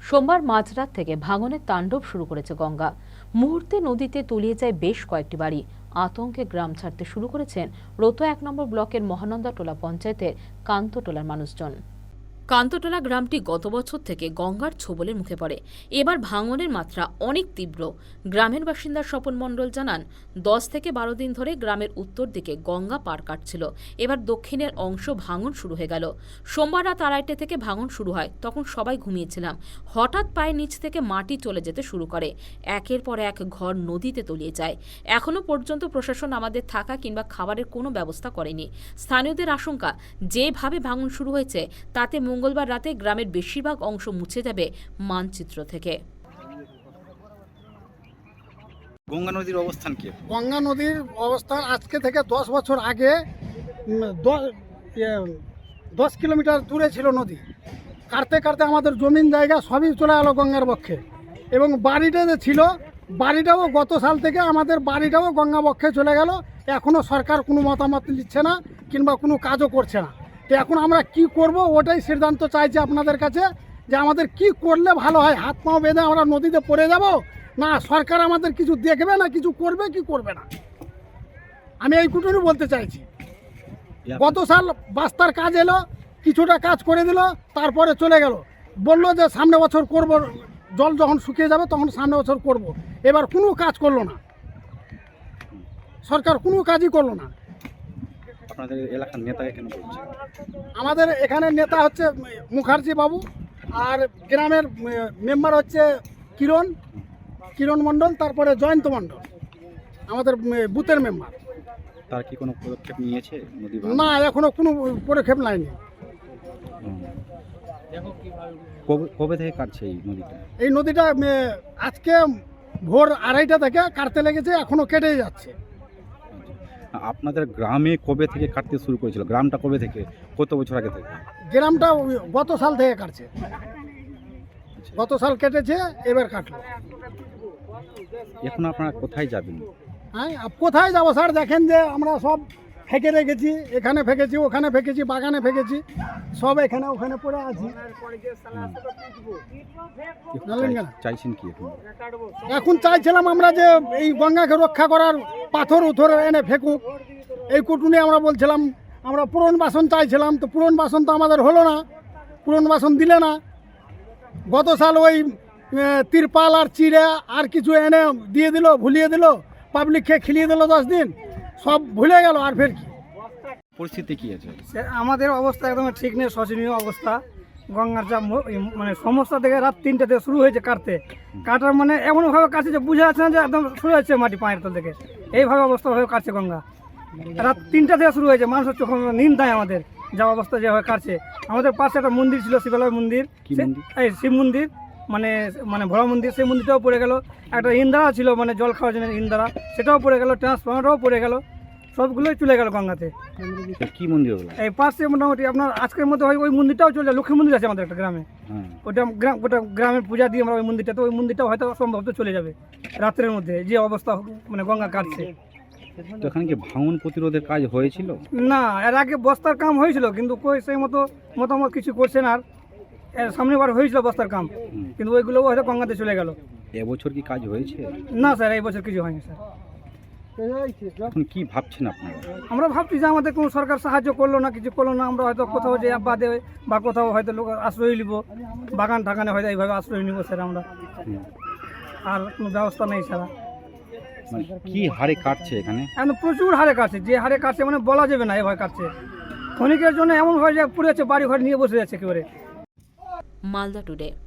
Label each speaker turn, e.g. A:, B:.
A: সোমবার মাঝরাত থেকে ভাঙনের তাণ্ডব শুরু করেছে গঙ্গা। মুহূর্তে নদীতে তলিয়ে যায় বেশ কয়েকটি বাড়ি। আতঙ্কে গ্রাম ছাড়তে শুরু করেছেন রোতো ১ নম্বর ব্লকের মহানন্দাটোলা পঞ্চায়েতের কান্তটোলার মানুষজন। কান্তটোলা গ্রামটি গত বছর থেকে গঙ্গার ছোবলের মুখে পড়ে। এবার ভাঙনের মাত্রা অনেক তীব্র। গ্রামের বাসিন্দা স্বপন মণ্ডল জানান, 10 থেকে 12 দিন ধরে গ্রামের উত্তর দিকে গঙ্গা পার কাটছিল। এবার দক্ষিণের অংশ ভাঙন শুরু হয়ে গেল। সোমবার রাত 2:30 থেকে ভাঙন শুরু হয়। তখন সবাই ঘুমিয়েছিলাম। হঠাৎ পায়ের নিচ থেকে মাটি চলে যেতে শুরু করে। একের পর এক ঘর নদীতে তলিয়ে যায়। এখনো পর্যন্ত প্রশাসন আমাদের থাকা কিংবা খাবারের কোনো ব্যবস্থা করেনি। স্থানীয়দের আশঙ্কা, যেভাবে ভাঙন শুরু হয়েছে তাতে মঙ্গলবার রাতে গ্রামের বেশিরভাগ অংশ মুছে যাবে মানচিত্র থেকে।
B: গঙ্গা নদীর অবস্থান কি?
C: গঙ্গা নদীর অবস্থান আজকে থেকে 10 বছর আগে 10 কিলোমিটার দূরে ছিল নদী। কাটতে কাটতে আমাদের জমিন জায়গা সবই চলে গেল গঙ্গার বক্ষে। এবং বাড়িটা যে ছিল, বাড়িটাও গত সাল থেকে আমাদের বাড়িটাও গঙ্গা বক্ষে চলে গেল। এখনও সরকার কোনো মতামত নিচ্ছে না কিংবা কোনো কাজও করছে না। তো এখন আমরা কি করব, ওটাই সিদ্ধান্ত চাইছি আপনাদের কাছে, যে আমাদের কি করলে ভালো হয়। হাত পাও বেঁধে আমরা নদীতে পড়ে যাব, না সরকার আমাদের কিছু দেখবে, না কিছু করবে কি করবে না। আমি এইটুকুনি বলতে চাইছি। গত সাল বাস্তার কাজ এলো, কিছুটা কাজ করে দিল, তারপরে চলে গেল। বললো যে সামনে বছর করব, জল যখন শুকিয়ে যাবে তখন সামনে বছর করব। এবার কোনো কাজ করলো না, সরকার কোনো কাজই করলো না।
B: আপনাদের এলাকার নেতাকে কেন বলছে?
C: আমাদের এখানে নেতা হচ্ছে মুখার্জি বাবু, আর গ্রামের মেম্বার হচ্ছে কিরণ মণ্ডল, তারপরে জয়ন্ত মণ্ডল, আমাদের বুথের মেম্বার।
B: তার কি কোনো পদক্ষেপ নিয়েছে নদী?
C: না, এখনো কোনো পদক্ষেপ নেয়নি।
B: কবে থেকে কাটছে এই নদীটা?
C: এই নদীটা আজকে ভোর 2:30 থেকে কাটতে লেগেছে, এখনো কেটেই যাচ্ছে।
B: আপনাদের গ্রামে কবে থেকে কাটতে শুরু করেছিল? গ্রামটা কবে থেকে, কত বছর আগে থেকে?
C: গ্রামটা গত সাল থেকে কাটছে, গত সাল কেটেছে, এবার কাটলো।
B: এখন আপনারা কোথায় যাবেন?
C: হ্যাঁ, কোথায় যাবো স্যার? দেখেন যে আমরা সব ফেঁকে রেখেছি, এখানে ফেঁকেছি, ওখানে ফেঁকেছি, বাগানে ফেঁকেছি, সব এখানে ওখানে পড়ে আছি।
B: চাইছেন কি এখন?
C: এখন চাইছিলাম আমরা যে এই গঙ্গাকে রক্ষা করার পাথর উথর এনে ফেঁকুক, এই কুটুনি আমরা বলছিলাম। আমরা পুনর্বাসন চাইছিলাম, তো পুনর্বাসন তো আমাদের হলো না, পুনর্বাসন দিলে না। গত সাল ওই তিরপাল আর চিড়ে আর কিছু এনে দিয়ে দিল, ভুলিয়ে দিল, পাবলিককে খেলিয়ে দিল 10 দিন, সব ভুলে গেল। আর ফের কি
B: পরিস্থিতি কি আছে?
D: আমাদের অবস্থা একদম ঠিক নেই, শোচনীয় অবস্থা। গঙ্গার যা মানে সমস্যা থেকে রাত 3টে থেকে শুরু হয়েছে কাটার মানে এমনভাবে কাটছে যে বুঝে যাচ্ছে না যে একদম শুরু হচ্ছে মাটি পায়ের তল থেকে। এইভাবে অবস্থা হয়ে কাটছে গঙ্গা। রাত 3টা থেকে শুরু হয়েছে, মানুষের চোখ নিন্দ দেয় আমাদের যা অবস্থা যেভাবে কাটছে। আমাদের পাশে একটা মন্দির ছিল, শিবালয় মন্দির, এই শিব মন্দির, মানে মানে ভোলা মন্দির, সেই মন্দিরটাও পড়ে গেল। একটা ইন্দারা ছিল, মানে জল খাওয়ার জন্য ইন্দারা, সেটাও পড়ে গেল। ট্রান্সফরমারটাও পড়ে গেল, সবগুলোই চলে গেল গঙ্গাতে।
B: কি মন্দির হলো?
D: এই পাশে মোটামুটি আপনার আজকের মধ্যে হয় ওই মন্দিরটাও চলে যায়। লক্ষ্মী মন্দির আছে আমাদের একটা গ্রামে, ওটা গ্রামের পূজা দিয়ে আমরা ওই মন্দিরটা, তো ওই মন্দিরটাও হয়তো সম্ভবত চলে যাবে রাত্রের মধ্যে, যে অবস্থা মানে গঙ্গা কাটছে।
B: তো এখানে কি ভাঙন প্রতিরোধের কাজ হয়েছিল?
D: না, এর আগে বস্তার কাম হয়েছিল, কিন্তু কই সেই মতো মতামত কিছু করছে না। আর সামনে বার হয়েছিল বস্তার কাম, কিন্তু ওইগুলো হয়তো গঙ্গাতে চলে গেল।
B: এবছর কি কাজ হয়েছে?
D: না স্যার, এই বছর কিছু হয়নি স্যার।
B: এখন কি ভাবছেন আপনারা?
D: আমরা ভাবছি যে আমাদের কোনো সরকার সাহায্য করলো না, কিছু করলো না। আমরা হয়তো কোথাও যে বাদে বা কোথাও হয়তো লোক আশ্রয় নিব, বাগান ঠাগানে হয়তো এইভাবে আশ্রয় নিব স্যার আমরা। আর কোনো ব্যবস্থা নেই ছাড়া।
B: মানে কি হারে কাটছে এখানে?
D: এখন প্রচুর হারে কাটছে, যে হারে কাটছে মানে বলা যাবে না, এভাবে কাটছে। ক্ষণিকের জন্য এমন হয় যে পুড়ে যাচ্ছে, বাড়ি ঘর নিয়ে বসে যাচ্ছে একেবারে।
A: মালদা টুডে।